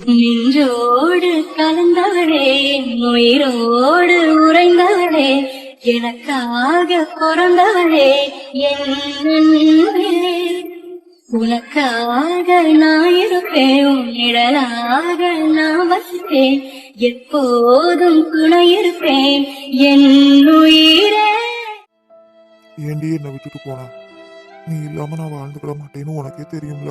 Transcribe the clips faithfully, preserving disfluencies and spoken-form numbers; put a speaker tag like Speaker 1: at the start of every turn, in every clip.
Speaker 1: நின்றோடு கலந்தவளே, உயிரோடு உறைந்தவளே, எனக்காக பிறந்தவளே, என் அன்பே. உனக்காக நான் இருப்பேன், உன் நிழலாக நான் வசிப்பேன், எப்போதும் துணை இருப்பேன் என் உயிரே.
Speaker 2: ஏண்டி என்னை விட்டுட்டு போன? நீ இல்லாம நான் வாழ்ந்துக்கிட மாட்டேன்னு உனக்கே தெரியும்ல.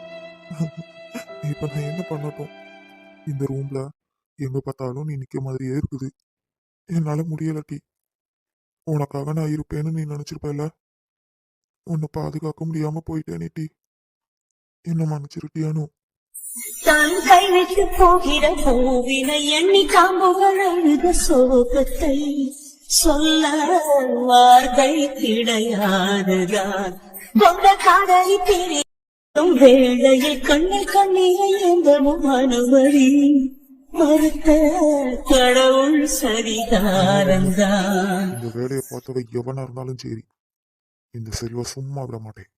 Speaker 2: இப்ப நான் என்ன பண்ணட்டும்? இந்த ரூம்ல எங்க பார்த்தாலும் நீ நிக்க மாதிரியே இருக்குது. என்னால முடியலட்டி. உனக்காக நான் இருப்பேன்னு நீ நினைச்சிருப்பல. உன்னை பாதுகாக்க முடியாம போயிட்டேனே டி. என்ன மன்னிச்சிருட்டியானு.
Speaker 1: தான் கைவிட்டு போகிற பூவினை எண்ணி காம்புகள் அழுத சோகத்தை சொல்ல வார்த்தை கிடையாதுதான். கொண்ட காதலி தெரியும் வேளையில் கண்ணில் கண்ணீரை எந்தவும் அனுமதி மறுத்த கடவுள் சரிதாரந்தான்.
Speaker 2: இந்த வேலையை பார்த்தவ எவனா இருந்தாலும் சரி, இந்த செல்வ சும்மா விட மாட்டேன்.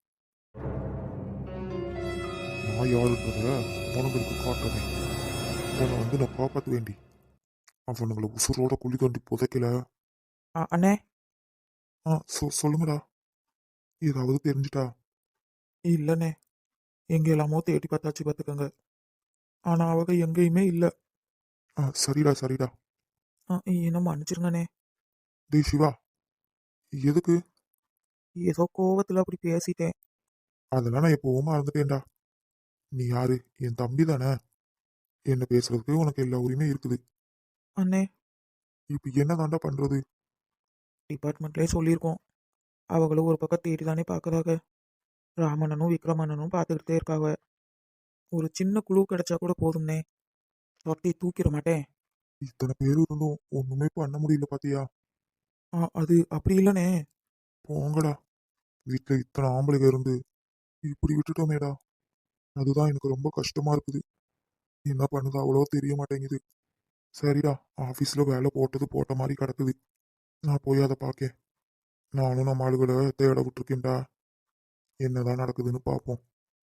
Speaker 2: நான் யாருன்றத அவனுங்களுக்கு காட்டுறேன். அவனை வந்து நான் காப்பாற்ற வேண்டி அவனுங்களை உசுரோட குழி தோண்டி புதைக்கல.
Speaker 3: அண்ணே.
Speaker 2: ஆ சொ சொல்லுங்கடா. ஏதாவது தெரிஞ்சுட்டா?
Speaker 3: இல்லைண்ணே, எங்க எல்லாமோ தேடி பார்த்தாச்சு பார்த்துக்கோங்க. ஆனா அவங்க எங்கேயுமே இல்லை.
Speaker 2: ஆ சரிடா சரிடா.
Speaker 3: என்ன மன்னிச்சிருங்கண்ணே.
Speaker 2: டேய் சிவா, எதுக்கு?
Speaker 3: ஏதோ கோவத்துல அப்படி பேசிட்டேன்.
Speaker 2: அதெல்லாம் நான் எப்பவும் மறந்துட்டேன்டா. நீ யாரு? என் தம்பி தானே. என்ன பேசுறதுக்கு உனக்கு எல்லா உரிமை இருக்குது.
Speaker 3: அண்ணே,
Speaker 2: இப்ப என்ன தாண்டா பண்றது?
Speaker 3: டிபார்ட்மெண்ட்லேயே சொல்லியிருக்கோம். அவங்களும் ஒரு பக்கம் தேடி தானே பார்க்குறாங்க. ராமண்ணனும் விக்ரமண்ணனும் பார்த்துக்கிட்டே இருக்காங்க. ஒரு சின்ன குழு கிடைச்சா கூட போதும்னே. தொட்டி தூக்கிட மாட்டேன்.
Speaker 2: இத்தனை பேர் இருந்தும் ஒண்ணுமே பண்ண முடியல பாத்தியா?
Speaker 3: ஆ அது அப்படி இல்லைண்ணே.
Speaker 2: போங்கடா. வீட்டுல இத்தனை ஆம்பளைங்க இருந்து இப்படி விட்டுட்டோமேடா. அதுதான் எனக்கு ரொம்ப கஷ்டமா இருக்குது. என்ன பண்ணுது அவ்வளோ தெரிய மாட்டேங்குது. சரிடா, ஆஃபீஸில் வேலை போட்டது போட்ட மாதிரி கிடக்குது. நான் போய் அதை பார்க்கேன். நானும் நம்ம ஆளுகளை தேட விட்டுருக்கேன்டா. என்னதான் நடக்குதுன்னு பார்ப்போம்.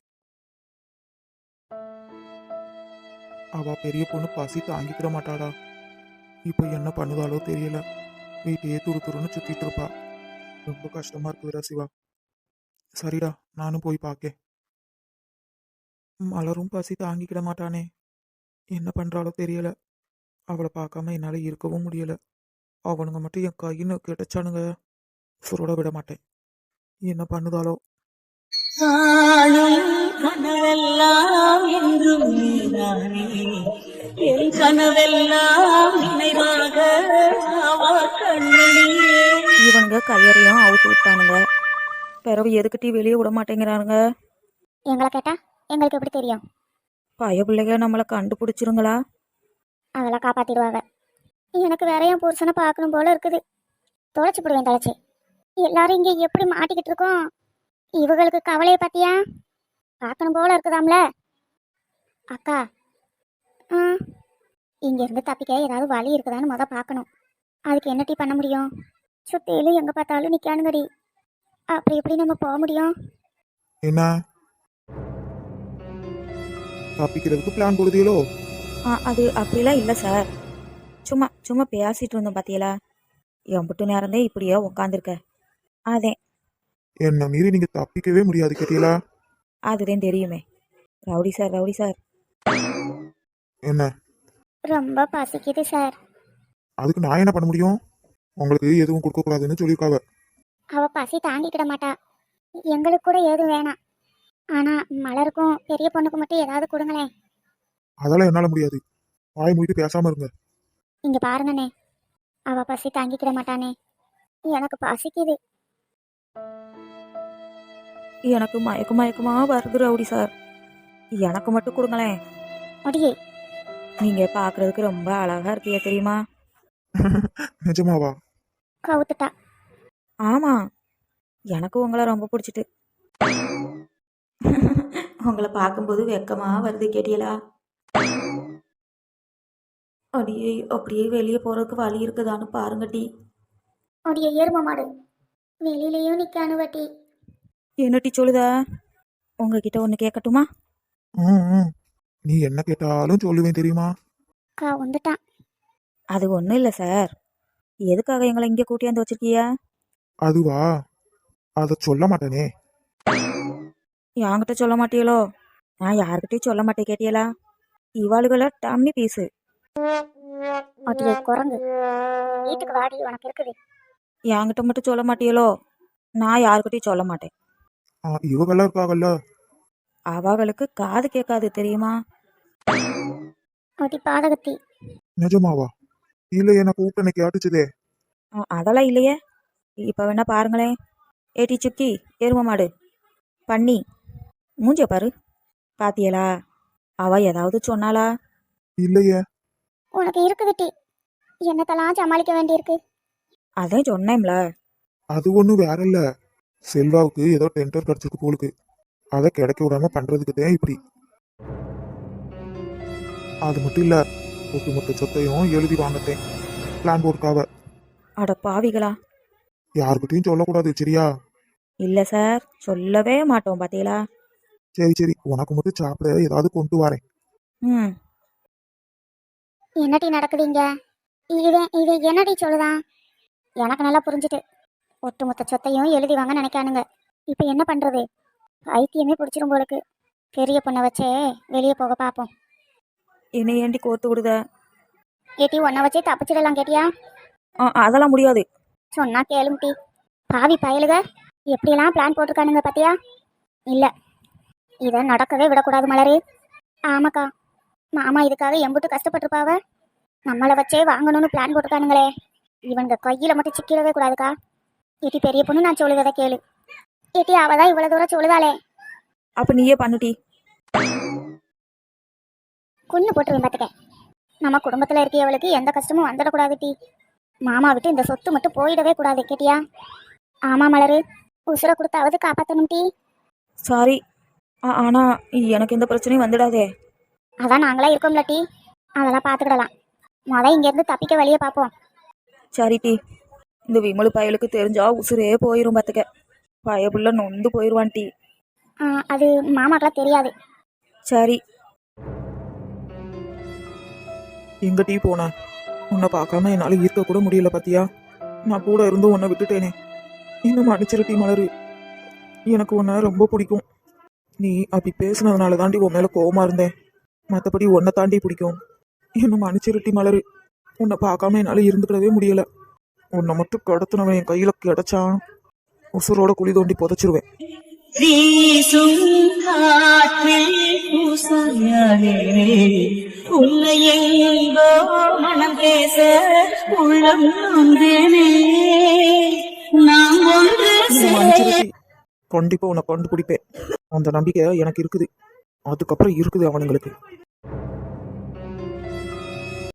Speaker 3: அவ பெரிய பொண்ணு பசி தாங்கிக்கிட மாட்டாடா. இப்போ என்ன பண்ணுதாலோ தெரியல. வீட்டையே துரு துருன்னு சுத்திட்டு இருப்பா. ரொம்ப கஷ்டமா இருக்குதுடா சிவா. சரிடா, நானும் போய் பார்க்கேன். மலரும் பசி தாங்கிக்கிட மாட்டானே. என்ன பண்றாலோ தெரியல. அவளை பார்க்காம என்னால் இருக்கவும் முடியல. அவனுங்க மட்டும் என் கையின்னு கிடைச்சானுங்க, சுரோட விட மாட்டேன். என்ன பண்ணுதாலோ.
Speaker 1: கனவெல்லாம் என்றும் நீதானே, என் கனவெல்லாம் நினைவாக
Speaker 4: இவனுங்க கையறையும் அவுத்து விட்டானுங்க. பிறவு எதுக்கிட்டே வெளியே விட மாட்டேங்கிறானுங்க.
Speaker 5: எங்களை கேட்டா எங்களுக்கு எப்படி தெரியும்?
Speaker 4: பய பிள்ளைங்க நம்மளை கண்டுபிடிச்சிருங்களா?
Speaker 5: அதெல்லாம் காப்பாத்திடுவாங்க. எனக்கு வேற என் புருஷனை பார்க்கணும் போல இருக்குது. தொலைச்சி போடுவேன் தொலைச்சி. எல்லாரும் இங்கே எப்படி மாட்டிக்கிட்டு இருக்கோம். இவங்களுக்கு கவலையை பத்தியா பார்க்கணும் போல இருக்குதாம்ல. அக்கா, ஆ இங்கேருந்து தப்பிக்க ஏதாவது வழி இருக்குதான்னு முத பார்க்கணும். அதுக்கு என்ன டீ பண்ண முடியும்? சுத்தியிலும் எங்கே பார்த்தாலும் நிற்கானுங்கடி. அப்படி எப்படி நம்ம போக முடியும்?
Speaker 3: என்ன தப்பிக்கிறதுக்கு பிளான் போடுதீங்களோ?
Speaker 4: ஆ அது அப்படிலாம் இல்லை சார். சும்மா சும்மா பேசிட்டு இருந்தோம் பார்த்தியலா. எம்பிட்டு நேரந்தே இப்படியே உக்காந்துருக்க. அதே
Speaker 3: என்ன மீறி நீங்க தப்பிக்கவே முடியாது கேட்டீங்களா?
Speaker 4: அதுதான் தெரியுமே. Rowdy sir rowdy sir.
Speaker 3: என்ன
Speaker 5: ரொம்ப பசிக்குது சார்.
Speaker 3: அதுக்கு நான் என்ன பண்ண முடியும்? உங்களுக்கு எதுவும் கொடுக்க கூடாதுன்னு சொல்லியிருக்காவ.
Speaker 5: அவ பசி தாங்கிக்கிட மாட்டா. எங்களுக்கு கூட எதுவும் வேணாம். ஆனா மலருக்கும் பெரிய பொண்ணுக்கு மட்டும் ஏதாவது கொடுங்களேன்.
Speaker 3: அதெல்லாம் என்னால முடியாது. வாய் மூடிட்டு பேசாம இருங்க.
Speaker 5: இங்க பாருங்கண்ணே, அவ பசி தாங்கிக்கிட மாட்டானே. எனக்கு பசிக்குது.
Speaker 4: எனக்கு மயக்க மயக்கமா வருது ரவுடி சார். எனக்கு மட்டும் கொடுங்களேன்.
Speaker 5: முடியே,
Speaker 4: நீங்க பாக்குறதுக்கு ரொம்ப அழகா இருக்கீங்க தெரியுமா?
Speaker 3: நிஜமாவா?
Speaker 5: கவுத்துட்டா.
Speaker 4: ஆமா, எனக்கு உங்களை ரொம்ப பிடிச்சிட்டு. உங்களை பார்க்கும்போது வெக்கமா வருது கேட்டியலா? அடியே அப்படியே வெளியே போறதுக்கு வழி இருக்குதான்னு பாருங்க டி.
Speaker 5: உடைய எரும மாடு வெளியிலயும் நிக்கானு வட்டி.
Speaker 4: என்ன டி சொல்லுதா? உங்ககிட்ட ஒன்று கேட்கட்டுமா?
Speaker 3: ம் ம் நீ என்ன கேட்டாலும் சொல்லுவேன் தெரியுமா?
Speaker 5: அக்கா வந்துட்டான்.
Speaker 4: அது ஒன்றும் இல்லை சார். எதுக்காக எங்களை இங்கே கூட்டியாந்து வச்சிருக்கியா?
Speaker 3: அதுவா, அதை சொல்ல மாட்டேனே.
Speaker 4: என்கிட்ட சொல்ல மாட்டியலோ? நான் யார்கிட்டயும் சொல்ல மாட்டேன் கேட்டியலா? இவாளுகளை டம்மி பீஸு.
Speaker 5: ஒட்டியை குரங்கு, வீட்டுக்கு வாடி, உனக்கு இருக்குது.
Speaker 4: என்கிட்ட மட்டும் சொல்ல மாட்டியலோ? நான் யார்கிட்டயும் சொல்ல மாட்டேன்.
Speaker 3: ஆ, இவங்கெல்லாம் இருக்காங்கல்ல.
Speaker 4: அவங்களுக்கு காது கேட்காது தெரியுமா?
Speaker 5: ஒட்டி பாதகத்தி.
Speaker 3: நிஜமாவா? இல்ல, எனக்கு கூப்பிட்டு கேட்டுச்சுதே.
Speaker 4: அ, அதெல்லாம் இல்லையே. இப்போ வேணா பாருங்களேன். ஏட்டி சுக்கி, எரும மாடு, பண்ணி, மூஞ்சிய பாரு. பாத்தியலா? அவ ஏதாவது சொன்னாளா?
Speaker 3: இல்லையே.
Speaker 5: உனக்கு இருக்குது டி, என்னத்தெல்லாம் சமாளிக்க வேண்டியிருக்கு.
Speaker 4: அதான் சொன்னேன்ல.
Speaker 3: அது ஒன்றும் வேற இல்ல. செல்வாவுக்கு ஏதோ டெண்டர் கிடைச்சிருக்கு போலுக்கு. அதை கிடைக்க விடாம பண்றதுக்கு தான் இப்படி. அது மட்டும் இல்ல, ஒட்டுமொத்த சொத்தையும் எழுதி வாங்கத்தேன் பிளான் போட்டுக்காவ.
Speaker 4: அட பாவிகளா.
Speaker 3: யாருக்கிட்டையும் சொல்லக்கூடாது, சரியா?
Speaker 4: இல்லை சார், சொல்லவே மாட்டோம் பாத்தீங்களா?
Speaker 3: சரி சரி, உனக்கு மட்டும் சாப்பிட ஏதாவது கொண்டு வரேன்.
Speaker 4: ம்.
Speaker 5: என்னடி நடக்குது இங்க? இது இது என்னடி சொல்லுதான்? எனக்கு நல்லா புரிஞ்சுட்டு, ஒட்டுமொத்த சொத்தையும் எழுதி வாங்க நினைக்கானுங்க. இப்போ என்ன பண்றது? ஐத்தியமே பிடிச்சிரும் போலுக்கு. பெரிய பொண்ணை வச்சே வெளியே போக பார்ப்போம்.
Speaker 4: என்னை ஏண்டி கோர்த்து விடுத?
Speaker 5: ஏட்டி ஒன்றை வச்சே தப்பிச்சிடலாம் கேட்டியா?
Speaker 4: ஆ, அதெல்லாம் முடியாது.
Speaker 5: சொன்னா கேளுங்க டி. பாவி பயலுக எப்படியெல்லாம் பிளான் போட்டிருக்கானுங்க பாத்தியா? இல்ல, இதை நடக்கவே விடக்கூடாது மலரு. ஆமாக்கா, மாமா இதுக்காக எம்புட்டு கஷ்டப்பட்டிருப்பாவ. நம்மளை வச்சே வாங்கணும்னு பிளான் போட்டிருக்கானுங்களே. இவனுங்க கையில மட்டும் சிக்கிடவே கூடாதுக்கா. ஏட்டி பெரிய பொண்ணு, நான் சொல்லுவதை கேளு. ஏட்டி அவதான் இவ்வளவு தூரம் சொல்லுதாளே.
Speaker 4: அப்ப நீயே பண்ணுட்டி.
Speaker 5: கொன்னு போட்டுருவேன் பார்த்துக்க. நம்ம குடும்பத்துல இருக்கியவளுக்கு எந்த கஷ்டமும் வந்துடக்கூடாது டி. மாமா விட்டு இந்த சொத்து மட்டும் போயிடவே கூடாது கேட்டியா? ஆமா மலரு, உசுரை கொடுத்தாவது காப்பாற்றணும் டி.
Speaker 4: சாரி. ஆ, ஆனா எனக்கு எந்த பிரச்சனையும் வந்துடாதே.
Speaker 5: அதான் நாங்களா இருக்கோம்ல டி, அதெல்லாம் பார்த்துக்கிடலாம். மொதல் இங்கேருந்து தப்பிக்க வழியை பார்ப்போம்.
Speaker 4: சரி டி. இந்த விமலு பயலுக்கு தெரிஞ்சா உசுரே போயிரும் பார்த்துக்க. பயப்புள்ள நொந்து போயிடுவான் டி.
Speaker 5: ஆ, அது மாமாக்கெல்லாம் தெரியாது.
Speaker 4: சரி.
Speaker 3: எங்க டீ போன? உன்னை பார்க்காம என்னால இருக்க கூட முடியல பாத்தியா? நான் கூட இருந்து உன்னை விட்டுட்டேனே. இன்னும் மன்னிச்சிரு டீ மலரு. எனக்கு உன்னை ரொம்ப பிடிக்கும். நீ அப்படி பேசுனதுனால தாண்டி உன் மேல கோவமா இருந்தேன். மற்றபடி உன்னை தாண்டி பிடிக்கும். இன்னும் மன்னிச்சிரு டீ மலரு. உன்னை பார்க்காம என்னால இருந்துக்கிடவே முடியல. உன்னை மட்டும் கடத்தினவன் என் கையில கிடைச்சான், உசுரோட குழி தோண்டி புதைச்சிருவேன்.
Speaker 1: வீசும் காற்றில் பூசாயாதே உன்னை எங்கோ மனம் பேச உள்ளம் நொந்தேனே. நாம் ஒன்று
Speaker 3: இன்னும் மன்னிச்சிரு டீ. கண்டிப்பா உன்னை கண்டுபிடிப்பேன். அந்த நம்பிக்கை எனக்கு இருக்குது. அதுக்கப்புறம் இருக்குது அவனுங்களுக்கு.